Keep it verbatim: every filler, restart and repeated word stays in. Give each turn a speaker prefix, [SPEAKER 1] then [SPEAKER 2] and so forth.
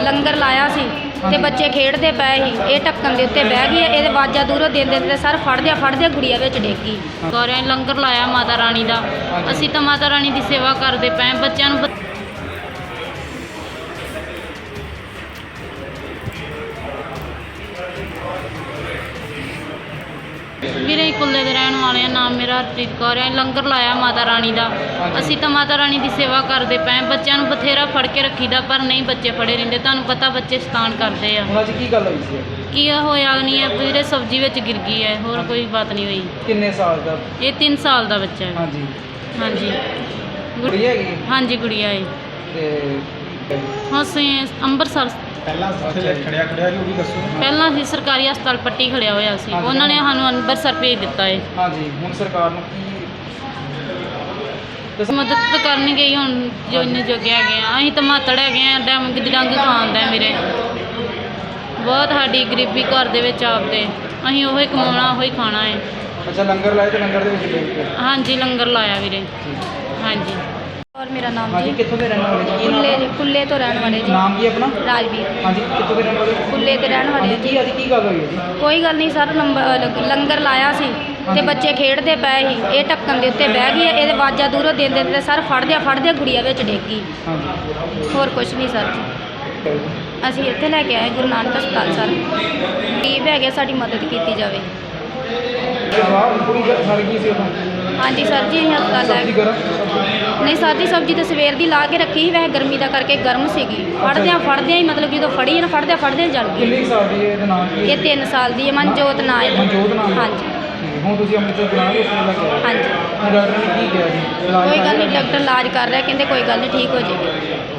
[SPEAKER 1] ਲੰਗਰ ਲਾਇਆ ਸੀ ਤੇ ਬੱਚੇ ਖੇਡਦੇ ਪਏ ਸੀ, ਇਹ ਢੱਕਣ ਦੇ ਉੱਤੇ ਬਹਿ ਗਈ। ਇਹਦੇ ਆਵਾਜ਼ਾਂ ਦੂਰੋਂ ਦਿੰਦੇ ਦਿੰਦੇ ਸਰ ਫੜਦਿਆਂ ਫੜਦਿਆਂ ਗੁੜੀਆ ਵਿੱਚ ਡਿੱਗ ਗਈ।
[SPEAKER 2] ਗੌਰਿਆਂ ਨੇ ਲੰਗਰ ਲਾਇਆ ਮਾਤਾ ਰਾਣੀ ਦਾ, ਅਸੀਂ ਤਾਂ ਮਾਤਾ ਰਾਣੀ ਦੀ ਸੇਵਾ ਕਰਦੇ ਪਏ ਬੱਚਿਆਂ ਨੂੰ। ਵੀਰੇ ਕੁੱਲੇ ਦੇ ਰਹਿਣ ਵਾਲੇ ਆ, ਨਾਮ ਮੇਰਾ ਹਰਪ੍ਰੀਤ ਕੌਰ ਹੈ। ਲੰਗਰ ਲਾਇਆ ਮਾਤਾ ਰਾਣੀ ਦਾ, ਅਸੀਂ ਤਾਂ ਮਾਤਾ ਰਾਣੀ ਦੀ ਸੇਵਾ ਕਰਦੇ ਪਏ। ਬੱਚਿਆਂ ਨੂੰ ਬਥੇਰਾ ਫੜ ਕੇ ਰੱਖੀਦਾ ਪਰ ਨਹੀਂ ਬੱਚੇ ਫੜੇ ਰਹਿੰਦੇ। ਤੁਹਾਨੂੰ ਪਤਾ ਬੱਚੇ ਸ਼ੈਤਾਨ ਕਰਦੇ ਆ।
[SPEAKER 3] ਹੁਣ ਅੱਜ ਕੀ ਗੱਲ ਹੋਈ ਸੀ?
[SPEAKER 2] ਕੀ ਹੋਇਆ ਨਹੀਂ ਹੈ ਵੀਰੇ, ਸਬਜ਼ੀ ਵਿੱਚ ਗਿਰ ਗਈ ਹੈ, ਹੋਰ ਕੋਈ ਬਾਤ ਨਹੀਂ ਹੋਈ।
[SPEAKER 3] ਕਿੰਨੇ ਸਾਲ ਦਾ?
[SPEAKER 2] ਇਹ ਤਿੰਨ ਸਾਲ ਦਾ ਬੱਚਾ ਹੈ।
[SPEAKER 3] ਹਾਂਜੀ
[SPEAKER 2] ਹਾਂਜੀ
[SPEAKER 3] ਗੁੜੀਆ ਹੈਗੀ?
[SPEAKER 2] ਹਾਂਜੀ ਗੁੜੀਆ ਹੈ।
[SPEAKER 3] ਤੇ
[SPEAKER 2] ਹੁਣ ਅਸੀਂ ਅੰਮ੍ਰਿਤਸਰ
[SPEAKER 3] ਪਹਿਲਾਂ ਖੜਿਆ ਖੜਿਆ ਜੀ ਉਹ ਵੀ ਦੱਸੋ।
[SPEAKER 2] ਪਹਿਲਾਂ ਅਸੀਂ ਸਰਕਾਰੀ ਹਸਪਤਾਲ ਪੱਟੀ ਖੜਿਆ ਹੋਇਆ ਸੀ, ਉਹਨਾਂ ਨੇ ਸਾਨੂੰ ਅੰਮ੍ਰਿਤਸਰ ਭੇਜ ਦਿੱਤਾ ਹੈ।
[SPEAKER 3] ਹਾਂਜੀ ਹੁਣ ਸਰਕਾਰ ਨੂੰ ਕੀ
[SPEAKER 2] ਮਦਦ ਤਾਂ ਕਰਨਗੇ ਹੀ ਹੁਣ, ਜੋ ਇੰਨੇ ਜੋਗੇ ਹੈਗੇ ਆ। ਅਸੀਂ ਤਾਂ ਮਾਤੜ ਹੈਗੇ ਆ, ਡੰਗ ਡੰਗ ਖਾਂਦਾ ਮੇਰੇ। ਬਹੁਤ ਸਾਡੀ ਗਰੀਬੀ ਘਰ ਦੇ ਵਿੱਚ ਆਪਦੇ, ਅਸੀਂ ਉਹੀ ਕਮਾਉਣਾ ਉਹੀ ਖਾਣਾ ਹੈ।
[SPEAKER 3] ਅੱਛਾ ਲੰਗਰ ਲਾਇਆ ਤੇ ਲੰਗਰ ਦੇ ਵਿੱਚ ਡਿੱਗ ਗਏ?
[SPEAKER 2] ਹਾਂਜੀ ਲੰਗਰ ਲਾਇਆ ਵੀਰੇ। ਹਾਂਜੀ
[SPEAKER 1] ਔਰ ਮੇਰਾ ਨਾਮ
[SPEAKER 3] ਹਾਂਜੀ
[SPEAKER 1] ਜੀ
[SPEAKER 3] ਕਿੱਥੋਂ ਦੇ ਰਹਿਣ ਵਾਲੇ ਜੀ?
[SPEAKER 1] ਕੁੱਲੇ ਕੁੱਲੇ ਤੋਂ ਰਹਿਣ ਵਾਲੇ ਜੀ।
[SPEAKER 3] ਨਾਮ ਕੀ ਆਪਣਾ?
[SPEAKER 1] ਰਾਜਵੀਰ।
[SPEAKER 3] ਹਾਂਜੀ ਕਿੱਥੋਂ ਦੇ ਰਹਿਣ ਵਾਲੇ?
[SPEAKER 1] ਕੁੱਲੇ ਦੇ ਰਹਿਣ ਵਾਲੇ
[SPEAKER 3] ਹਾਂਜੀ
[SPEAKER 1] ਜੀ।
[SPEAKER 3] ਕੀ ਅੱਜ ਕੀ ਗੱਲ ਹੋਈ ਹੈ ਜੀ?
[SPEAKER 1] ਕੋਈ ਗੱਲ ਨਹੀਂ ਸਰ, ਨੰਬਰ ਲੰਗਰ ਲਾਇਆ ਸੀ ਤੇ ਬੱਚੇ ਖੇਡਦੇ ਪਏ ਸੀ, ਇਹ ਢੱਕਣ ਦੇ ਉੱਤੇ ਬਹਿ ਗਈ। ਇਹਦੇ ਆਵਾਜ਼ਾਂ ਦੂਰੋਂ ਦਿੰਦੇ ਦਿੰਦੇ ਸਰ ਫੜਦਿਆਂ ਫੜਦਿਆਂ ਗੁੜੀਆ ਵਿੱਚ ਡਿੱਗ ਗਈ।
[SPEAKER 3] ਹਾਂਜੀ
[SPEAKER 1] ਹੋਰ ਕੁਝ ਨਹੀਂ ਸਰ ਜੀ। ਅਸੀਂ ਇੱਥੇ ਲੈ ਕੇ ਆਏ ਗੁਰੂ ਨਾਨਕ ਹਸਪਤਾਲ ਸਰ। ਗਰੀਬ ਹੈਗੇ, ਸਾਡੀ ਮਦਦ ਕੀਤੀ ਜਾਵੇ।
[SPEAKER 3] ਜਵਾਬ ਪੂਰੀ ਸੜ ਗਈ ਸੀ ਉਹ?
[SPEAKER 1] ਹਾਂਜੀ ਸਰ ਜੀ, ਅਸੀਂ ਹਸਪਤਾਲ ਲੈ
[SPEAKER 3] ਸਬਜ਼ੀ
[SPEAKER 1] ਕੇ
[SPEAKER 3] ਗਰਮ?
[SPEAKER 1] ਨਹੀਂ ਸਰ ਜੀ, ਸਬਜ਼ੀ ਤਾਂ ਸਵੇਰ ਦੀ ਲਾ ਕੇ ਰੱਖੀ ਸੀ, ਵੈਸੇ ਗਰਮੀ ਦਾ ਕਰਕੇ ਗਰਮ ਸੀਗੀ। ਫੜਦਿਆਂ ਫੜਦਿਆਂ ਹੀ ਮਤਲਬ ਜਦੋਂ ਫੜੀ ਨਾ ਫੜਦਿਆਂ ਫੜਦਿਆਂ ਜਲ ਗਈ।
[SPEAKER 3] ਕਿੰਨੇ ਕੁ ਸਾਲ ਦੀ ਹੈ? ਇਹਦਾ ਨਾਮ ਕੀ ਹੈ?
[SPEAKER 1] ਇਹ ਤਿੰਨ ਸਾਲ ਦੀ ਹੈ, ਮਨਜੋਤ ਨਾਂ ਹੈ।
[SPEAKER 3] ਮਨਜੋਤ ਨਾਮ ਹੈ?
[SPEAKER 1] ਹਾਂਜੀ
[SPEAKER 3] ਠੀਕ ਹੈ। ਹੁਣ ਤੁਸੀਂ ਅੰਮ੍ਰਿਤਸਰ ਬੁਲਾ ਕੇ ਉਸ ਲੈ ਕੇ ਆਏ?
[SPEAKER 1] ਹਾਂਜੀ।
[SPEAKER 3] ਹੁਣ ਡਾਕਟਰ ਨੇ ਕੀ ਕਿਹਾ ਜੀ? ਇਲਾਜ
[SPEAKER 1] ਕੋਈ ਗੱਲ
[SPEAKER 3] ਕਰ
[SPEAKER 1] ਨਹੀਂ,
[SPEAKER 3] ਰਿਹਾ?
[SPEAKER 1] ਡਾਕਟਰ ਇਲਾਜ ਕਰ ਰਿਹਾ, ਕਹਿੰਦੇ ਕੋਈ ਗੱਲ ਨਹੀਂ ਠੀਕ ਹੋ ਜਾਏਗੀ।